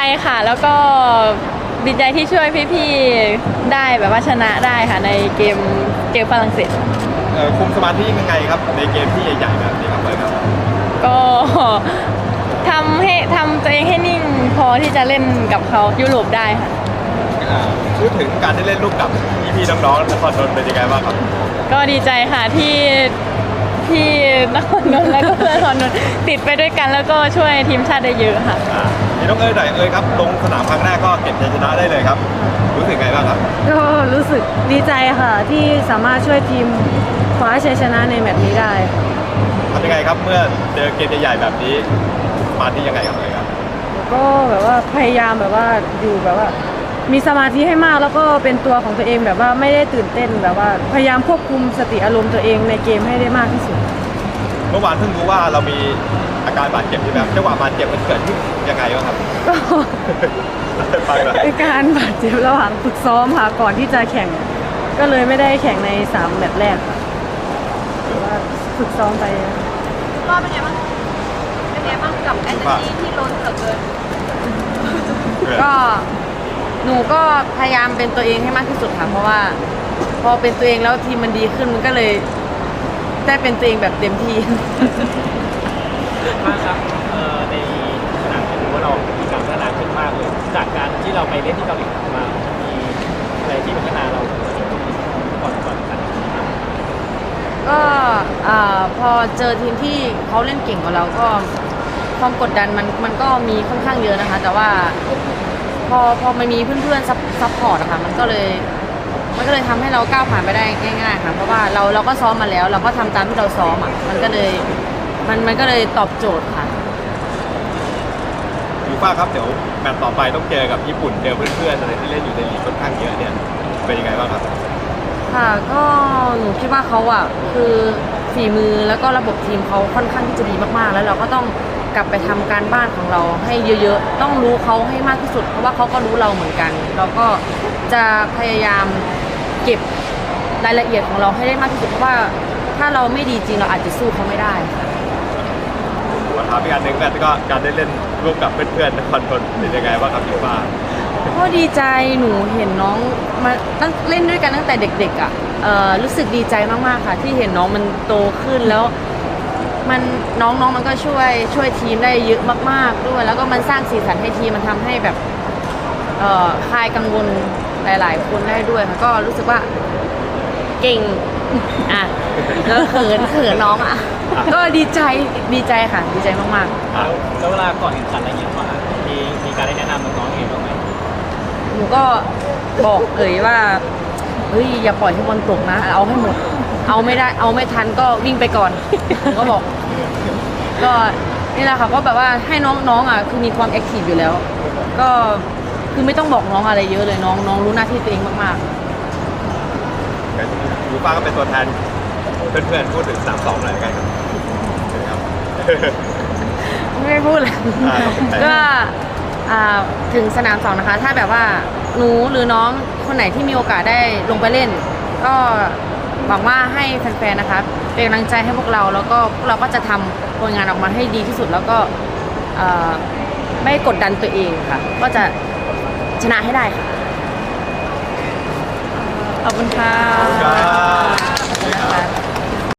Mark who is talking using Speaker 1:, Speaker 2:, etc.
Speaker 1: ค่ะแล้วก็ดีใจที่ช่วยพี่ๆได้แบบว่าชนะได้ค่ะในเกมฝรั่งเศส
Speaker 2: คุมสมาธิยังไงครับในเกมที่ใหญ่ๆแบบนี้ครับเลยครับ
Speaker 1: ก็ทำตัวเองให้นิ่งพอที่จะเล่นกับเขายุโรปได้ค่ะ
Speaker 2: พูดถึงการได้เล่นลูกกับพี่ๆน้องๆนครนนท์เป็นยังไงบ้างครับ
Speaker 1: ก็ดีใจค่ะที่นครนนท์และก็เพื่อนนครนนท์ติดไปด้วยกันแล้วก็ช่วยทีมชาติได้เยอะค่ะ
Speaker 2: พี่น้องหน่อยครับลงสนามครั้งแรกก็เก็บชัยชนะได้เลยครับรู้สึกไงบ้างครับ
Speaker 3: ก็รู้สึกดีใจค่ะที่สามารถช่วยทีมคว้าชัยชนะในแมตช์นี้ได้
Speaker 2: ทำยังไงครับเมื่อเจอเกมใหญ่ๆแบบนี้มาที่ยังไงครับเลยครับ
Speaker 3: ก็แบบว่าพยายามแบบว่าอยู่แบบว่ามีสมาธิให้มากแล้วก็เป็นตัวของตัวเองแบบว่าไม่ได้ตื่นเต้นแบบว่าพยายามควบคุมสติอารมณ์ตัวเองในเกมให้ได้มากที่สุด
Speaker 2: เมื่อวานเพิ่งรู้ว่าเรามีอาการบาดเจ็บที่แบบจังหวะบาดเจ็บมันเกิดขึ้นยังไงบ้างครับ
Speaker 3: ก็เป็นการบาดเจ็บระหว่างฝึกซ้อมค่ะก่อนที่จะแข่งก็เลยไม่ได้แข่งใน3แมตช์แรกค่ะแต่ว่าฝึกซ้อมไป
Speaker 1: ก็เป็นไงบ้างกับแอนตี้ที่ล้นเหลือเกิน
Speaker 4: ก็หนูก็พยายามเป็นตัวเองให้มากที่สุดค่ะเพราะว่าพอเป็นตัวเองแล้วทีมมันดีขึ้นมันก็เลยได้เป็นตัวเองแบบเต็มที่
Speaker 5: มากครับในสนามถือว่าเรามีการพัฒนาขึ้นมากเลยจากการที่เราไปเล่นที่เกาหลีมามีอะไรที่พัฒนาเราก่อนกัน
Speaker 4: ก็พอเจอทีมที่เขาเล่นเก่งกว่าเราก็ความกดดันมันก็มีค่อนข้างเยอะนะคะแต่ว่าพอมันมีเพื่อนๆซัพพอร์ตอะค่ะมันก็เลยทำให้เราก้าวผ่านไปได้ง่ายๆค่ะเพราะว่าเราก็ซ้อมมาแล้วเราก็ทำตามที่เราซ้อมอ่ะมันก็เลยตอบโจทย์ค่ะ
Speaker 2: ยูฟ่าครับเดี๋ยวแมตช์ต่อไปต้องเจอกับญี่ปุ่นเจอเพื่อนๆอะไรที่เล่นอยู่ในลีกค่อนข้างเยอะเนี่ยเป็นยังไงบ้างครับ
Speaker 4: ค่ะก็หนูคิดว่าเขาอ่ะคือฝีมือแล้วก็ระบบทีมเขาค่อนข้างที่จะดีมากๆแล้วเราก็ต้องกลับไปทำการบ้านของเราให้เยอะๆต้องรู้เขาให้มากที่สุดเพราะว่าเขาก็รู้เราเหมือนกันเราก็จะพยายามเก็บรายละเอียดของเราให้ได้มากที่สุดเพราะว่าถ้าเราไม่ดีจริงเราอาจจะสู้เขาไม่ได้ค่ะ
Speaker 2: วันท้าอีกอันหนึ่งแล้วก็การได้เล่นร่วมกับเพื่อนๆนครนนท์เป็นยังไงบ้างครับยูฟ่า
Speaker 4: ก็ดีใจหนูเห็นน้องมาตั้งเล่นด้วยกันตั้งแต่เด็กๆอ่ะรู้สึกดีใจมากๆค่ะที่เห็นน้องมันโตขึ้นแล้วมันน้องมันก็ช่วยทีมได้เยอะมากๆด้วยแล้วก็มันสร้างสีสันให้ทีมมันทำให้แบบคลายกังวลหลายๆคนได้ด้วยค่ะก็รู้สึกว่าเก่งอ่ะแล้วเขินน้องอ่ะก็ดีใจค่ะดีใจมากๆ
Speaker 5: แล้วเวลาก่อนแข่งขันอะไรอย่างเงี้ยว่ามีการได้แนะนำน้องๆเองบ้างไหม
Speaker 4: หนูก็บอกว่าเฮ้ยอย่าปล่อยให้บอลตกนะเอาให้หมดเอาไม่ได้เอาไม่ทันก็วิ่งไปก่อนก็บอกก็นี่แหละค่ะก็แบบว่าให้น้องอ่ะคือมีความแอคทีฟอยู่แล้วก็คือไม่ต้องบอกน้องอะไรเยอะเลยน้องรู้หน้าที่ตัวเองมาก
Speaker 2: ๆยูฟ่าก็เป็นตัวแทนเพื่อนๆพูดถึง3-2หน่อยกันครับ
Speaker 4: ไม่พูดเลยก็ถึงสนาม2นะคะถ้าแบบว่าหนูหรือน้องคนไหนที่มีโอกาสได้ลงไปเล่นก็หวังว่าให้แฟนๆนะคะเป็นกำลังใจให้พวกเราแล้วก็พวกเราก็จะทำผลงานออกมาให้ดีที่สุดแล้วก็ไม่กดดันตัวเองค่ะก็จะชนะให้ได้ค่ะ
Speaker 1: ขอบคุณค่ะ